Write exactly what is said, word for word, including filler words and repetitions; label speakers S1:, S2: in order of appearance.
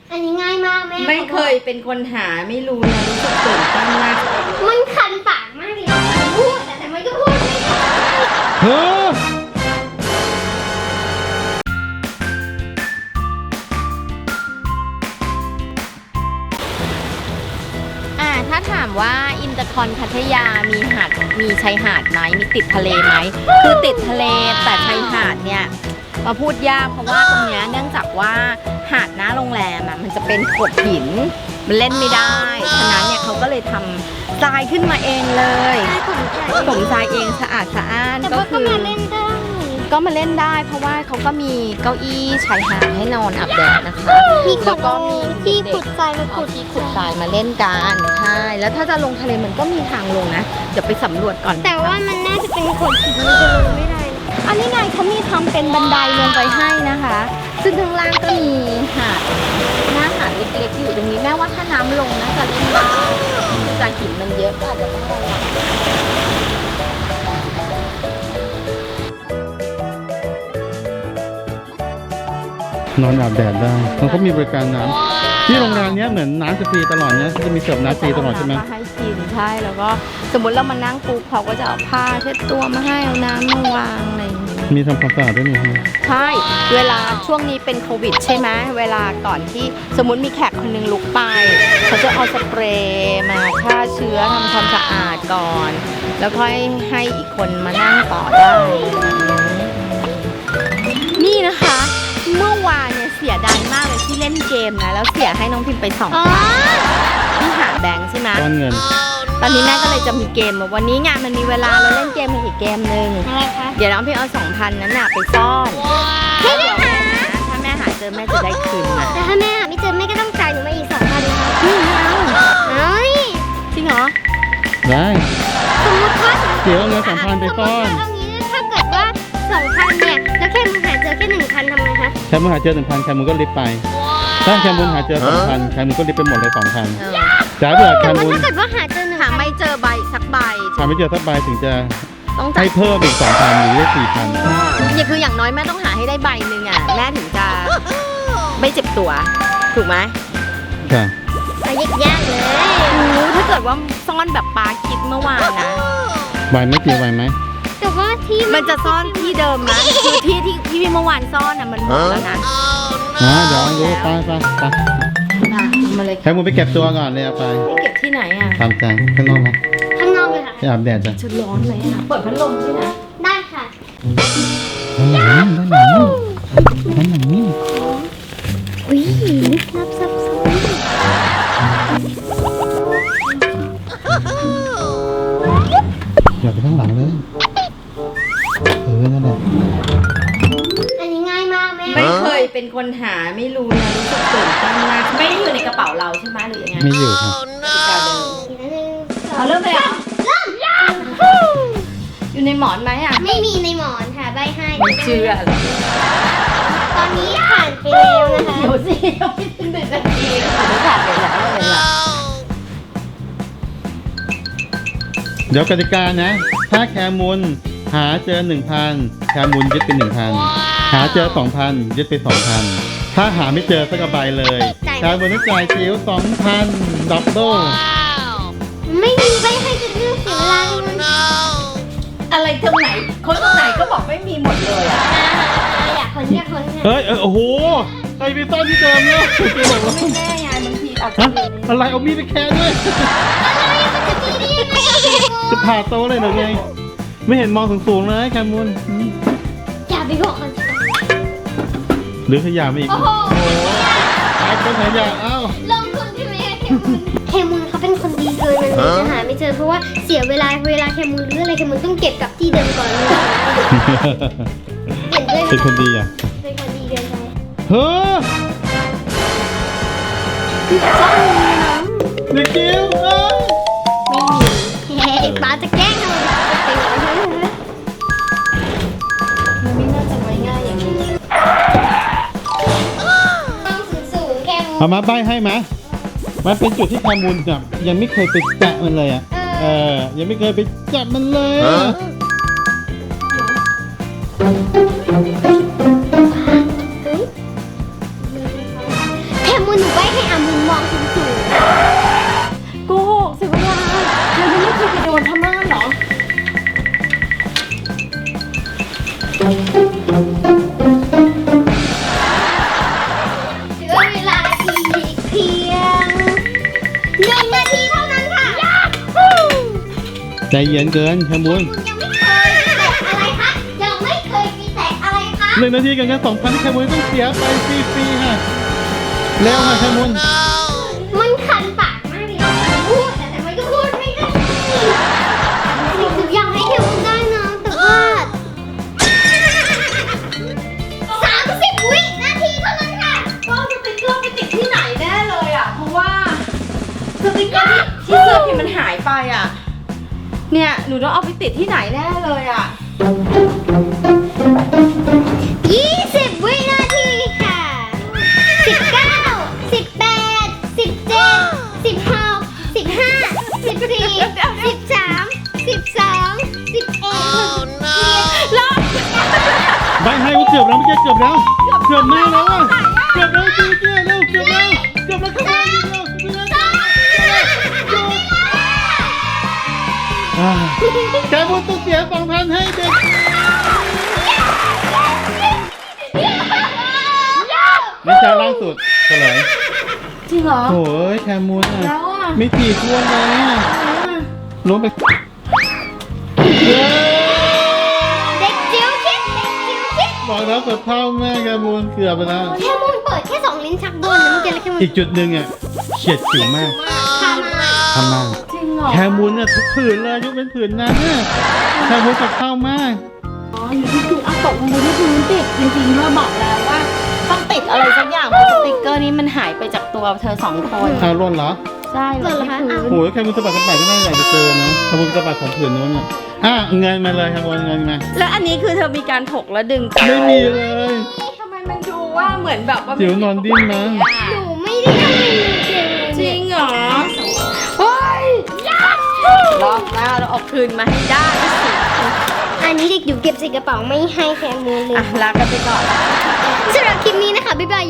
S1: อันนี้ง่ายมากแม่
S2: ไม่เคยเป็นคนหาไม่รู้นะรู้สึกตื่นเต้นมาก
S1: มันคันปากมากเลยพูดแต่มันก็พูดไม่ได้
S3: เฮ้อ
S2: อ่าถ้าถามว่าอินเตอร์คอนพัทยามีหาดมีชายหาดไหมมีติดทะเลไหมคือติดทะเลแต่ชายหาดเนี่ยมาพูดยากเพราะว่าตรงเนี้ยเนื่องจากว่าหาดหน้าโรงแรมอ่ะมันจะเป็นโขดหินมันเล่นไม่ได้ฉะนั้นเนี่ยเขาก็เลยทำทรายขึ้นมาเองเลยถมทรายเองสะอาดสะอ้านก็คือ
S1: มาเล่นได้
S2: ก็มาเล่นได้เพราะว่าเขาก็มีเก้าอี้ชายหาดให้นอนอาบแดดนะคะแล้วก็มี
S1: ที่ขุดทรายมาขุด
S2: ที่ขุดทรายมาเล่นกันใช่แล้วถ้าจะลงทะเลมันก็มีทางลงนะเดี๋ยวไปสำรวจก่อน
S1: แต่ว่ามันน่าจะเป็นโขดหินมันจะลงไม่ได้
S2: อันนี้ไงเขามีทำเป็นบันไดลงไปให้นะคะซึ่งข้างล่างก็มีหาดหน้าหาดเล็กๆอยู่ตรงนี้แม้ว่าถ้าน้ำลงนะจะเล่นได้แต่หินมันเยอะก็อาจจะต้องระวัง
S3: นอนอาบแดดได้มันก็มีบริการน้ำที่โรงแรมนี้เหมือนน้ำจะฟรีตลอดนะจะมีเสิร์ฟน้ำฟรีตลอดใช่ไหม
S2: มาให้กินใช่แล้วก็สมมติเรามานั่งปุ๊บเขาก็จะเอาผ้าเช็ดตัวมาให้เอาน้ำมาวางอะไรอย่างนี้
S3: มีทำความสะอาดด้วยนี่
S2: ใช่เวลาช่วงนี้เป็นโควิดใช่ไหมเวลาก่อนที่สมมติมีแขกคนนึงลุกไปเขาจะเอาสเปรย์มาฆ่าเชื้อทำความสะอาดก่อนแล้วค่อยให้อีกคนมานั่งต่อได้นี่นะคะเมื่อวานเนี่ยเสียดายมากเลยที่เล่นเกมนะแล้วเสียให้น้องพิมพ์ไปสองที่หาแบงค์ใช่ไหม
S3: ก้อนเงิน
S2: ตอนนี้แม่ก็เลยจะมีเกมวันนี้งานมันมีเวลาเราเล่นเกมกันอีกเกมหนึ่งเดี๋ยวน้องพิมพ์เอาสองพันนั้นน่ะไปซ่อน
S1: ไม่ได้หา
S2: ถ้าแม่หาเจอแม่จะได้คืนมา
S1: แต่ถ้าแม่หาไม่เจอแม่ก็ต้องจ่ายหนูมาอีกสองพันค่ะไม่เอาเฮ้ย
S2: จริงเหรอ
S3: ได้
S1: สมมติว่า
S3: เดี๋ยวเอาเงินสองพันไปซ่อน
S1: เอางี้ถ้าเกิดว่าสองพันเนี่ยแล้วแค่มึงหาเจอแค่หนึ่งพันทำไงคะ
S3: แค่มึงหาเจอหนึ่งพันแค่มึงก็ลิฟไปถ้าแค่มึงหาเจอสองพันแค่มึงก็ลิฟไปหมดเลยสองพันจ่ายเผื่อแค่มึง
S1: ถ้าเกิดว่าหาเจอหนึ่ง
S2: หาไม่เจอใบสักใบ
S3: หาไม่เจอสักใบถึงจะให้เพิ่มอีกสองพันหรือได้สี่พัน
S2: เนี่ยคืออย่างน้อยแม่ต้องหาให้ได้ใบหนึ่งอ่ะแม่ถึงจะไม่เจ็บตัวถูกไหม
S3: ค่ะ
S1: ยากยากเลย
S2: ถ้าเกิดว่าซ่อนแบบปาคิดเมื่อวานนะ
S3: ใบไม่กี่ใบไหม
S1: แต่ว่าที่
S2: มันจะซ่อนที่เดิมนะคือที่ที่ที่เมื่อวานซ่อนอ่ะมันหมดแล้วนะ
S3: นะเดี๋ยวดูไปไปไป
S2: มาเลย
S3: แค่มึงไปเก็บตัวก่อนเลยไป
S2: เก็บที่ไหนอ่ะ
S3: ตามใจข้างนอกไหม
S1: ข้างนอกเลยค่ะ
S3: ไปอาบแดดจ้ะ
S2: ชุดร้อนเลยค่ะเปิดพัดลมใช่ไหม
S1: ได้ค่ะ
S3: ด้านหลังด้านหลังด้านหลังนี่
S1: อุ้ยลึกลับซับซ้อน
S3: อย่าไปข้างหลังเลยเออนั่นแหละ
S1: อันนี้ง่ายมากแม่
S2: ไม่เคยเป็นคนหาไม่รู้นะรู้สึกตื่นเต้นมากไม่ได้อยู่ในกระเป๋าเราใช่ไหมหรือยังไง
S3: ไม่อยู่ค่ะ
S2: เอาเริ่มเลยเหรอ
S1: เริ่ม
S2: อยู่ในหมอนไหมอ่ะ
S1: ไม่มีในหมอนค่ะใบให้
S2: ไม่เชื่อเลย
S1: ตอนนี้ผ่านไปแล้วนะคะ
S2: เดี๋ยวสิยังไม่ถึงหนึ่งนาทีเลยผ่านไปแล้วเลยล่ะ
S3: เดี๋ยวกติกานะถ้าแคมูลหาเจอหนึ่งพันแคมูลยึดเป็นหนึ่งพันหาเจอสองพันยึดไปสองพันถ้าหาไม่เจอสักใบเลยแคมูลต้องจ่ายจิ๋วสองพันดับเบิ้ล
S1: ไม่มีใบให้จะเลือกเสียเวลาเลย
S2: อะไรตรงไหนคนตรงไหนก็บอกไม่มีหมดเลยอ่ะ
S1: อยากคนอยากคน
S3: เฮ้ยโอ้โหไอพีซ่อนที่เดิมเนี่ย
S2: ไม่แน่ไงบางทีอาจจะ
S3: อะไรเอามีดไปแค่ด้วยจะผ่าโตเลยหรือไงไม่เห็นมองสูงๆเลยแคมูล
S1: อย่าไปบอกเขา
S3: หรือขยะมาอีกโอ้โหไอ้คนขยะเอ้า
S1: ลงทุนที่ไม่เคมูลเขาเป็นคนดีเกินมันเลยจะหาไม่เจอเพราะว่าเสียเวลาเวลาเคมูลหรืออะไรเคมูลต้องเก็บกับที่เดิมก่อนเลย
S3: เป็นคนดีอ่ะ
S1: เป็นคนดีเกินไป
S3: เฮ้อเด็กกิ้วเอ้ย
S1: ไม่มีเฮ้ยป้าจะแกล้งเราเป็นอย่างนั้น
S2: มันไม่น่าจะไว้ง่ายอย่างนี้
S1: ต้องสูงๆแค่มูล
S3: เอามาใบให้ไหมมันเป็นจุดที่แคมูลแบบยังไม่เคยไปแตะมันเลยอ่ะเออยังไม่เคยไปจับมันเลย
S1: แคมูลหนูใบ
S3: ใจเย็นเกินแคมูล
S1: ยังไม่เคยมีแตกอะไรคะยังไม่เคยมีแตกอะไรคะ
S3: หนึ่งนาทีกันกันสองพันที่แคมูลต้องเสียไปฟรีๆค่ะเร็วค่ะแคมูล
S1: มันคันปากมากเลยพูดแต่มันก็พูดไม่ได้หนูอยากให้เทมได้นะแต่ว่าสามสิบวินาทีเท่านั้นค่ะ
S2: ก็สติ๊กเกอร์ไปติดที่ไหนแน่เลยอ่ะ เพราะว่าสติ๊กเกอร์ที่เสื้อพิมพ์มันหายไปอ่ะ เนี่ยหนูต้องเอาไปติดที่ไหนแน่เลยอ่ะ
S1: ยี่สิบวินาทีค่ะสิบเก้าสิบแปดสิบเจ็ดสิบหกสิบห้าสิบสี่สิบสามสิบสองสิบเอ็ด
S3: ใบให้ว่าเกือบแล้วเมื่อกี้เกือบแล้วเกือบมากแล้วอ่ะเกือบแล้วจริงๆเร็วเกือบแล้วเกือบแล้วเข้ามาเร็วเร็วอ่าแคมูลต้องเสียสองพันให้เด็กนี่ชาล่าสุดเฉลย
S2: จริงเหรอ
S3: โอ้ยแคมูลอ่ะ
S2: แล้วอ่ะ
S3: ไม่ถีบวนเลยอ่ะล้มไปเย้
S1: เด็กจิ๋วคิดเด็กจิ๋วคิด
S3: บอกแล้วกับเท่าแม่แคมูลเกือบไปแล้ว
S1: แค่มุนเปิดแค่สองลิ้นชักโดนนะเมื่อกี้แล้วแค่มุน
S3: อีกจุดหนึ่งอ่ะเฉียดฉิวมาก
S1: ทำมา
S3: ทำมาก
S2: จริงเหรอ
S3: แคมูลเนี่ยทุกผืนเลยยกเป็นผืนนั้นเนี่ยแคมูลกับเท่ามาก
S2: อ๋ออยู่ที่คือเอาตกลงไปที่พื้นติดจริงๆเราบอกแล้วว่า ต้องติดอะไรสักอย่างเพราะสติ๊กเกอร์นี้มันหายไปจากตัวเธอสองคน
S3: เอาร่นเหรอ
S2: ใช่หล่นที่พื้น
S3: โอ้ยแคมูลสะบัดสะบัดก็น่าอยากจะเจอนะแคมูลสะบัดของผืนนู้นอ่ะอ่ะเงินมาเลยแคมูลเงินมา
S2: แล้วอันนี้คือเธอมีการถกและดึง
S3: ไม่มีเลย
S2: ทำไมมันดูว่าเหมือนแบบว่า
S3: จิ๋วนอนดิ้นนะ
S1: หนูไม่ได้ทำอะไรเลย
S2: จริงเหรอเฮ้ยรอบหน้าเราเอาคืนมาให้ได้สิ
S1: อันนี้เด็กอยู่เก็บใส่กระเป๋าไม่ให้แคมูลเลย
S2: อ่ะลากันไปก่อน
S1: สำหรับคลิปนี้นะคะบ๊ายบาย